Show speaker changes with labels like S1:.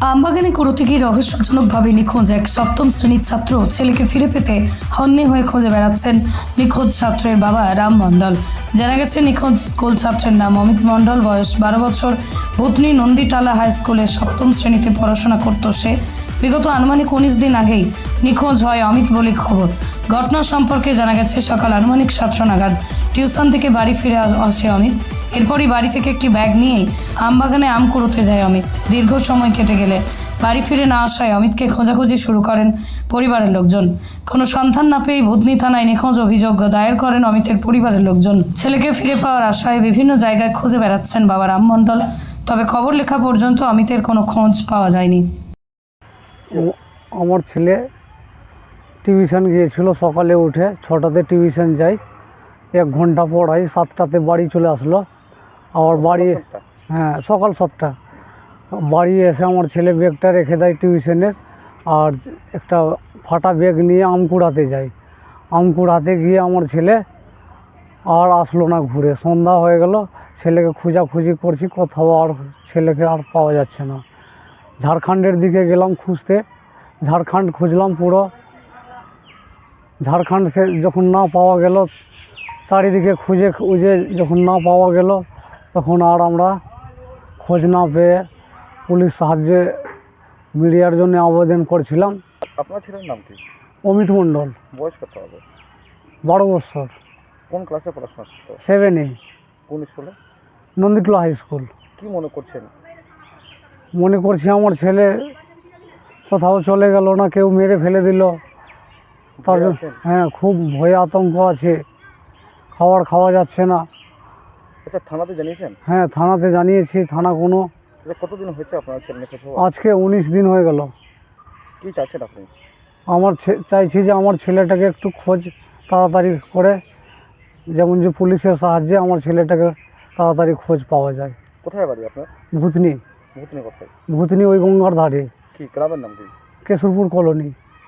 S1: আমবাগানে করতে গিয়ে রহস্যজনকভাবে নিখোঁজ এক সপ্তম শ্রেণীর ছাত্র ছেলেকে ফিরে পেতে হন্যে হয়ে খুঁজে বেড়াচ্ছেন নিখোঁজ ছাত্রের বাবা রাম মণ্ডল। জানা গেছে নিখোঁজ স্কুল ছাত্রের নাম অমিত মণ্ডল, বয়স 12 বছর। ভূতনি নন্দীটালা হাই স্কুলে সপ্তম শ্রেণীতে পড়াশোনা করত সে। বিগত আনুমানিক 19 দিন আগেই নিখোঁজ হয় অমিত বলে খবর। ঘটনা সম্পর্কে জানা গেছে সকাল আনুমানিক 7টা নাগাদ টিউশন থেকে বাড়ি ফিরে আসে অমিত। এরপরই বাড়ি থেকে একটি ব্যাগ নিয়েই আমবাগানে আম কুড়োতে যায় অমিত। দীর্ঘ সময় কেটে গেলে বাড়ি ফিরে না আসায় অমিতকে খোঁজাখুঁজি শুরু করেন পরিবারের লোকজন। কোনো সন্ধান না পেয়ে ভূতনি থানায় নিখোঁজ অভিযোগ দায়ের করেন অমিতের পরিবারের লোকজন। ছেলেকে ফিরে পাওয়ার আশায় বিভিন্ন জায়গায় খুঁজে বেড়াচ্ছেন বাবা রাম মণ্ডল। তবে খবর লেখা পর্যন্ত অমিতের কোনো খোঁজ পাওয়া যায়নি।
S2: আমার ছেলে টিউশন গিয়েছিল, সকালে উঠে 6টাতে টিউশন যাই, 1 ঘন্টা পড়াই, 7টাতে বাড়ি চলে আসলো। আবার বাড়ি সকাল 7টা বাড়ি এসে আমার ছেলে ব্যাগটা রেখে দেয় টিউশনের, আর একটা ফাটা ব্যাগ নিয়ে আম কুড়াতে যাই। আম কুড়াতে গিয়ে আমার ছেলে আর আসলো না ঘুরে। সন্ধ্যা হয়ে গেল, ছেলেকে খোঁজাখুঁজি করছি, কোথাও আর ছেলেকে আর পাওয়া যাচ্ছে না। ঝাড়খণ্ডের দিকে গেলাম খুঁজতে, ঝাড়খণ্ড খুঁজলাম পুরো। ঝাড়খণ্ড সে যখন না পাওয়া গেল, চারিদিকে খুঁজে যখন না পাওয়া গেল, তখন আর আমরা খোঁজ না পেয়ে পুলিশ সাহায্যে মিডিয়ার জন্য আবেদন করছিলাম।
S3: আপনার ছেলের নাম কি?
S2: অমিত মণ্ডল,
S3: বয়স কত হবে?
S2: 12 বছর।
S3: কোন ক্লাসে পড়াশোনা করতো?
S2: 7-এ,
S3: কোন স্কুলে?
S2: Nanditola high school.
S3: কি মনে করছেন?
S2: মনে করছি আমার ছেলে কোথাও চলে গেল, না কেউ মেরে ফেলে দিল। তার জন্য খুব ভয় আতঙ্ক আছে, খাওয়া যাচ্ছে না।
S3: আচ্ছা, থানাতে জানিয়েছেন?
S2: থানাতে জানিয়েছি, থানা কোনো।
S3: আচ্ছা, কতদিন হয়েছে আপনার ছেলে নিখোঁজ হওয়া?
S2: আজকে 19 দিন হয়ে গেল।
S3: কি চাচ্ছেন আপনি?
S2: চাইছি যে আমার ছেলেটাকে একটু খোঁজ তাড়াতাড়ি করে, যেমন যে পুলিশের সাহায্যে আমার ছেলেটাকে তাড়াতাড়ি খোঁজ পাওয়া যায়।
S3: কোথায় বাড়ি আপনার?
S2: ভূতনি।
S3: ভূতনি কোথায়?
S2: ভূতনি ওই গঙ্গার ধারে,
S3: কি গ্রামের নাম কি?
S2: কেশরপুর কলোনি।